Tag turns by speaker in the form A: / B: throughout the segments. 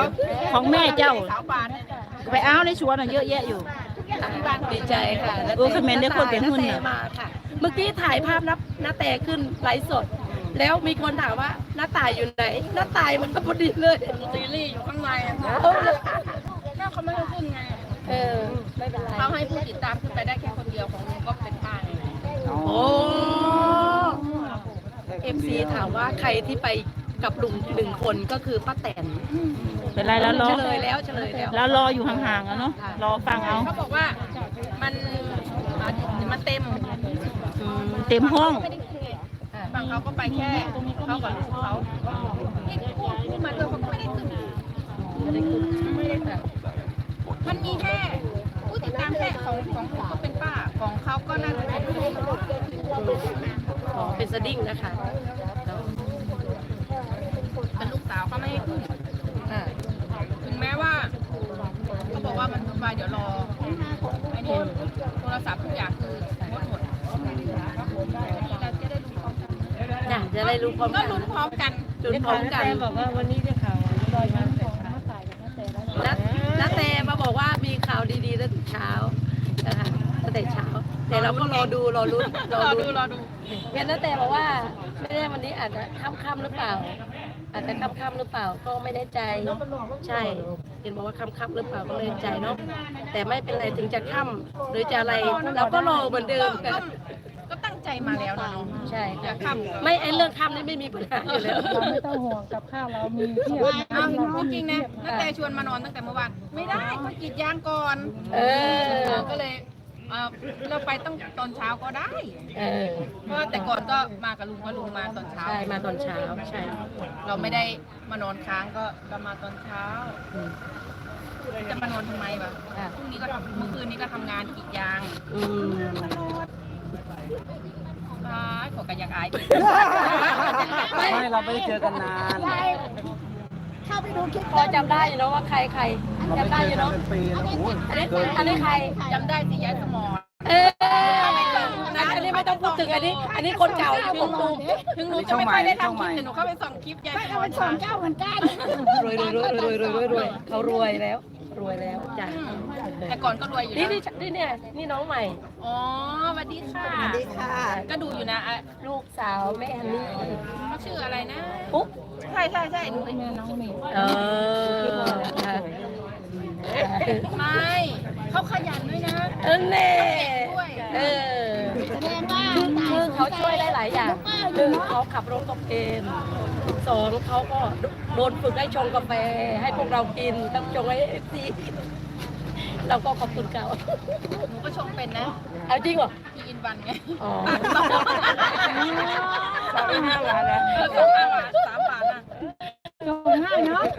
A: ของแม่เจ้า
B: สาวบานเนี่ย
A: ไปเอาในสวนน่ะเยอะแยะอยู่
C: ดีใจค่ะ
A: คอมเมนต์ได้คนเป็นหุ้น
C: น้า
A: น่ะ
C: แต่มาค่ะ เมื่อกี้ถ่ายภาพน้าแต่ขึ้นไลฟ์สด แล้วมีคนถามว่าน้าตายอยู่ไหนน้าตายมันพอดีเลย
B: ซีรีส์อยู่ข้างในอะค่ะ
C: เอาเลย
B: ถ้าเขาไม่ให้ขึ้นไง
C: ไม่เป็นไร
B: เขาให้ผู้ติดตามขึ้นไปได้แค่คนเดียวของลุงก็เป็นป้าไง
C: โอ้MC ถามว่าใครที่ไปกับลุง1 คนก็คือป้าแตน
A: เป็นไรแล้วรอ
C: เฉลยแล้ว
A: แล้วรออยู่ห่างๆอะเนาะรอฟังเอา
B: เขาบอกว่ามันเต็ม
A: เต็มห้อง
B: ฝั่งเขาก็ไปแค่เขากับลูกเขาที่พูดมาด้วยเขาก็ไม่ได้ขึ้นไม่ได้แบบมันมีแค่ผู้ติดตามแค่ของผมก็เป็นป้าของเขาก็น่าจะเป็นลูก
C: เป็นสดิ้งนะคะ
B: เป็นลูกสาวเขาไม่ให้ขึ้นถึงแม้ว่าเขาบอกว่ามันวุ่นวายเดี๋ยวรอไอ้นี่โทรศัพท์ทุกอย่างคืองดหมดเราจะได้รู้พร้อมกัน
C: จะได้รู้พร้อม
B: ก็
C: กัน
B: ลุ้นพร้อมกัน
C: ลุ้นพร้อมกัน
D: บอกว่าวันนี้ได้ข่าวลอยมาเสร็จแล้ว
C: แล้วแต่มาบอกว่ามีข่าวดีๆตั้งแต่เช้านะคะตั้งแต่เช้า แต่เราก็รอดูรอลุ้น
B: รอดู
C: เห็นแล้วแต่บอกว่าไม่แน่วันนี้อาจจะค่ำๆหรือเปล่า อาจจะค่ำๆหรือเปล่าก็ไม่แน่ใจใช่เห็นบอกว่าค่ำๆหรือเปล่าก็ไม่แน่ใจเนาะแต่ไม่เป็นไรถึงจะค่ำหรือจะอะไรเราก็รอเหมือนเดิมกัน
B: ก็ตั้งใจมาแล้วนะน้อง
C: ใช่
B: อย่าค่ำ
C: ไม่ไอ้เรื่องค่ำนี่ไม่มีปัญหาอยู่แล้ว
D: เราไม่ต้องห่วงกับข้าวเรามีเพียบ
B: อ้าวจริงๆนะนักแต่ชวนมานอนตั้งแต่เมื่อวานไม่ได้ก็กรีดยางก่อน ก็เลยเราไปตั้งตอนเช้าก็ได้ เพราะว่าแต่ก่อนก็มากับลุงเพราะลุงมาตอนเช้า
C: ใช่มาตอนเช้าใช่
B: เราไม่ได้มานอนค้างก็มาตอนเช้า จะมานอนทำไมวะพรุ่งนี้ก็ทำเมื่อคืนนี้ก็ทำงานกรีดยางขอกระยักอาย
E: ไม่เราไม่ได้เจอกันนาน
C: พอจำได้อยู่เนาะว่าใครจำได้อยู่เนาะ
E: เป็นปีแล้วโอ้ย
C: อันนี้ใคร
B: จำได้สิยายสมอ
C: อันนี้ไม่ต้องพูดถึงอันนี้คนเก่าของลุง
B: ถึงหนูจะไม่ค่อยได้ทำคลิปแต่หนูเข้าไปส่องคลิปยายสมอเป็น2 เจ้าเหมือนกัน
C: รวยเขารวยแล้วจ้ะ
B: แต่ก่อนก็รวยอยู่
C: นี่
B: นะ
C: นี่น้องใหม่
B: อ๋อสวัสดีค่ะ ก็ดูอยู่นะอ่ะ
C: ลูกสาวแม่ฮันนี่
B: เขาชื่ออะไรนะ
C: ปุ๊บ
B: ใช่ดูไปน้องเมย์ไม่เขาขยันด้วยนะ
C: เน่คือเขาช่วยได้หลายอย่าง1เขาขับรถกับเอง2เขาก็โดนฝึกให้ชงกาแฟให้พวกเรากินต้องชงให้FCเราก็ขอบคุณเขา
B: หนูก็ชงเป็นนะ
C: เอาจริงเหรอ
B: พี่อินวันไง
C: อ๋อ
B: 2.5 บาทแล้ว2.5 บาท3 บาทนะ
D: ง่ายเนาะ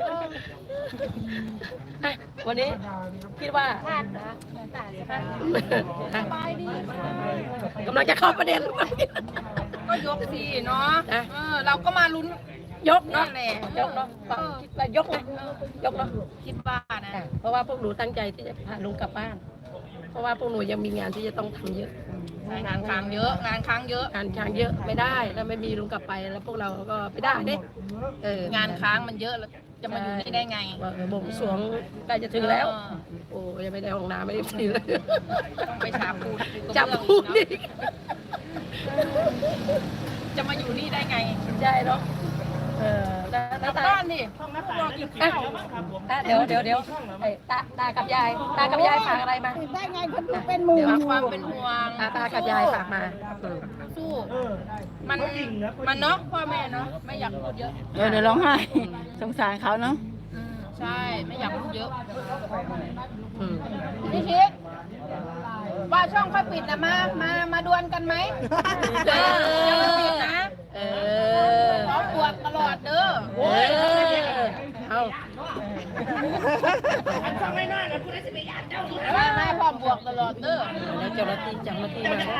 C: วันนี้คิดว่ากำลังจะเข้าประเด็น
B: ก็ยกสิเนาะเราก็มาลุ้น
C: ยกเนาะ
B: นั่นแหละ
C: ยกเนาะคิดว่ายกนะยกเนาะ
B: คิดว่านะ
C: เพราะว่าพวกหนูตั้งใจที่จะพาลุงกลับบ้าน เพราะว่าพวกหนูยังมีงานที่จะต้องทำเยอะ
B: งานค้างเยอะงานค้างเยอะ
C: งานค้างเยอะไม่ได้ถ้าไม่มีลุงกลับไปแล้วพวกเราก็ไม่ได้เด้
B: งานค้างมันเยอะแล้วจะมาอยู่นี่ได้ไง
C: ว่าบ่งสรวงใกล้จะถึงแล้ว โอ้ยังไม่ได้ห้องน้ำไม่ได้ทีเลย
B: ต้องไปฉาบปูน
C: จับพูดนี่
B: จะมาอยู่นี่ได้ไง
C: ใช่เนาะแล้ว
B: บ้านนี่บอกอีกข้าว
C: เดี๋ยวตากับยายฝากอะไรมา
D: ได้ไงคนดูเป็นหมู่
B: ฝากความเป็นห่วง
C: ตากับยายฝากมา
B: สู้มันเนาะพ่อแม่เนาะไม่อยากพูดเยอะ
A: เดี๋ยวร้องไห้สงสารเขาเนาะ
B: ใช่ไม่อยากพูดเยอะ
C: อืม
B: พี่ชิคว่าช่องค่อยปิดนะมาดวลกันไหมอย่ามาปิดนะพร้อมบวกตลอดเด้อ
C: เอา
B: ไม่พร้อมบวกตลอดเด้อ
C: แล้วเจ้าหน้าที่มา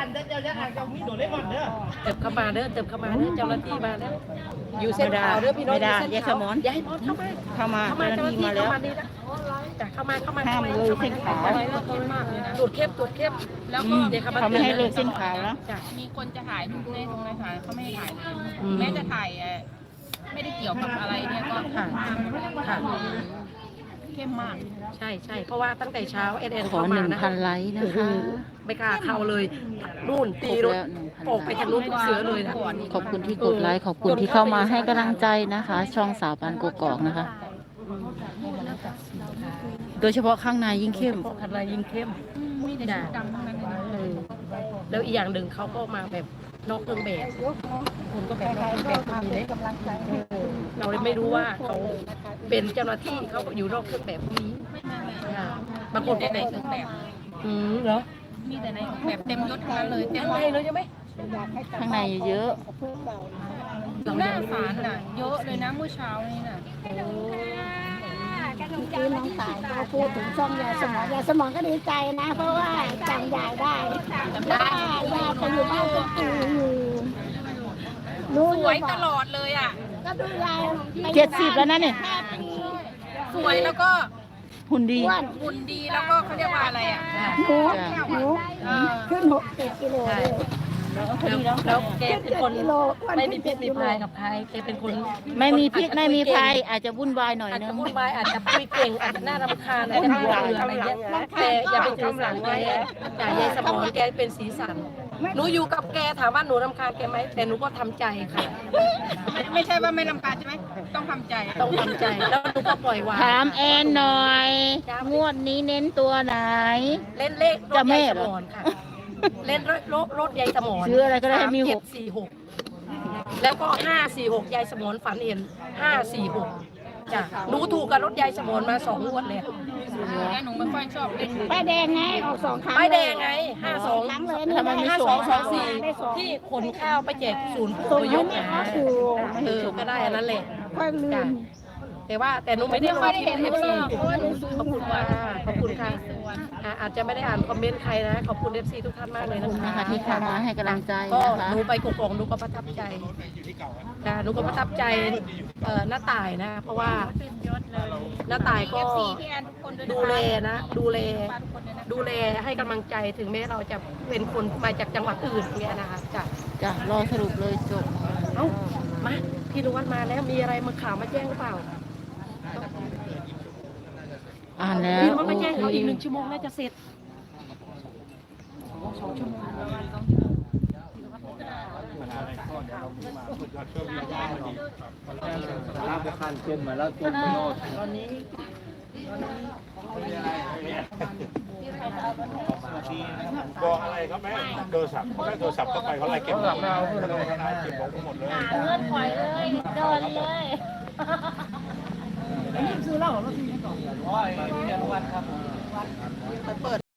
C: เติบเข้ามาเด้อเจ้าหน้าที่มาแล้วอยู่เส้นขาวเด้อพี่น้อง
A: ไม่ได้
C: อยู่เส้น
A: ยายส
C: ขาว
A: มอน
C: ยายมอนเข้ามา
A: เจ้าหน้าที่มาแล้ว
C: เข้ามา
A: ห้ามเลยเส้นขาว
C: ตรวจเข้ม
B: แล้วก็
C: เดี๋ยว
A: เขาไม่ให้เลิกเส้นขาวแล้ว
B: มีคนจะถ่ายรูปในตรงไหนถ่ายเขาไม่ให้ถ่ายเลยแม้จะถ่ายไม่ได้เกี่ยวกับอะไรเนี่ยก็
C: ค่ะค่ะ
B: เข้มมาก
C: ใช่ใช่เพราะว่าตั้งแต่เช้าเอ็น
A: ขอ
C: เข้ามานะ
A: 1,000 ไลค์นะ
C: โอ้โห
A: คะ
C: ไม่กล้าเข้าเลยนู่น
A: คร
C: ตี
A: บ
C: รถ
A: แล้ว 1,000
C: ออกไปทางนู้นเสือเลยนะ
A: ขอบคุณที่กดไลค์ขอบคุณที่เข้ามาให้กำลังใจนะคะ ช่องสาวปานกกอกนะคะ โดยเฉพาะข้างในยิ่งเข้ม
C: พวกอะไรยิ่งเข้ม
B: มีแต่ชุดดำทั้งนั้นเลยนะ
C: เออแล้วอีกอย่างหนึ่งเขาก็มาแบบนอกเครื่องแบบผมก็แบบนอกเครื่องแบบก็มีเลยเราเลยไม่รู้ว่าเขาเป็นเจ้าหน้าที่เขาอยู่นอกเครื่องแบบก็มีค่ะบางคน
B: แต่
C: ก็
B: ใน
C: แบบ
B: เครื่องแบบ
C: เหรอ
B: มีแต่ในแบบเต็มยศทั้งนั้นเลยเต็ม
C: ข้างในเลยใช่ไหม
A: ข้างในเยอะ
B: หน้าศาลน่ะเยอะเลยนะเมื่อเช้านี่น่ะ
D: คือน้องตายเขาพูดถึงช่องยายสมอยายสมองก็ดีใจนะ เพราะว่าจำยายได้ว่ายายเขาอยู่บ้านเป็นปีอยู่รู้
B: สวยตลอดเลยอ่ะ
D: ก็ดูยาย
A: 70 แล้วนะเนี่ย
B: สวยแล้วก็
A: หุ่นดี
D: อ้วน
B: หุ่นดีแล้วก็เขาเรียกว่าอะไรอ่ะ
D: หนูขึ้น60 กิโลเลย
C: แล้วแกเป็นคน
D: กิโลอ้วน
C: ไม่มี
D: ขึ้น
C: พิษ
D: 7
C: มี
D: กิโล
C: ภัยกับใครแกเป็นคน
A: ไม่มีพิษไม่มีภัยอาจจะวุ่นวายหน่อย
C: อาจ
A: นึ
C: จะ
A: ง
C: วุ่นวายอาจจะคุยเก่งอาจจะน่ารำคาญอาจจะน่าเบื่ออะไรเงี้ยแต่อย่าไปถือสาแกอย่ายายสมองแกเป็นสีสันหนูอยู่กับแกถามว่าหนูรำคาญแกไหมแต่หนูก็ทำใจค่ะ
B: ไม่ใช่ว่าไม่รำคาญใช่ไหมต้องทำใจ
C: ต้องทำใจแล้วหนูก็ปล่อยวาง
A: ถามแอนหน่อย งวดนี้เน้นตัวไหน
C: เล่นเลขรถยายสมอนค่ะ เล่นรถยายสมอน
A: ซื้ออะไรก็ได้ให้มีหก
C: 3746แล้วก็546ยายสมอนฝันเห็น546จ้ะหนูถูกกับรถยายสมอนมา2 งวดเลย
B: แล้วหนูไม่ค่อยชอบเล่น
D: ป้ายแดงไงออก2 ครั้ง
C: ป้ายแดงไง
D: ครั้งเลย
A: ทำไมไม่ส่ง
C: 5224ที่ขนข้าวไปแจกศูนย์ผู้
D: ส่ง
C: อพย
D: ให้
C: พ
D: แม่
C: นะ
D: เขาอยู่
C: ก็ได้อันนั้นแหละ
D: ค่อยลืม
C: แต่หนูไม่ได้
B: ไม่ค่อยได้เห็น
C: เอ
B: ไม่
C: ฟ
B: ช
C: ซี
B: อบเพราะว่าหนูซื้อ
C: ขอบคุณค่ะขอบคุณค่ะอาจจะไม่ได้อ่านคอมเมนต์ใครนะ ขอบคุณเอฟซีทุกท่านมากเลย
A: ขอบคุณ
C: นะ
A: นะคะ คะที่เข้ามาให้กำลังใจ
C: ก็
A: นะคะ
C: หนูไปกกองหนูก็ประทับใจนะหนูก็ประทับใจหน้าต่ายนะ เพราะว่าหน้าต่ายก็
B: FC พี่แอนทุกคนด้วย
C: ดูแลนะ ดูแลให้กำลังใจถึงแม้เราจะเป็นคนมาจากจังหวัดอื่นเนี่ยนะคะจ้ะ
A: จะรอสรุปเลยจบ
C: เอ้ามาพี่นุวัฒน์มาแล้วมีอะไรมาข่าวมาแจ้งหรือเปล่า
A: อ่านแล้ว
C: พี่นุวัฒน์
A: โอ
C: มาแจ้ง
A: เค
C: เขาอีก1 ชั่วโมงน่าจะเสร็จ
E: ลาบคันเช่นมาแล้วตุ้มโนดตอนนี้
F: บอกอะไรเขาไหมโทรศัพท์เขาได้โทรศัพท์เข้าไปเขาไล่เก็บของเราเก็บของหมดเลย
D: เงินปล่อยเลยโดนเลย
E: อ๋อไอ้เนี่ยวันครับ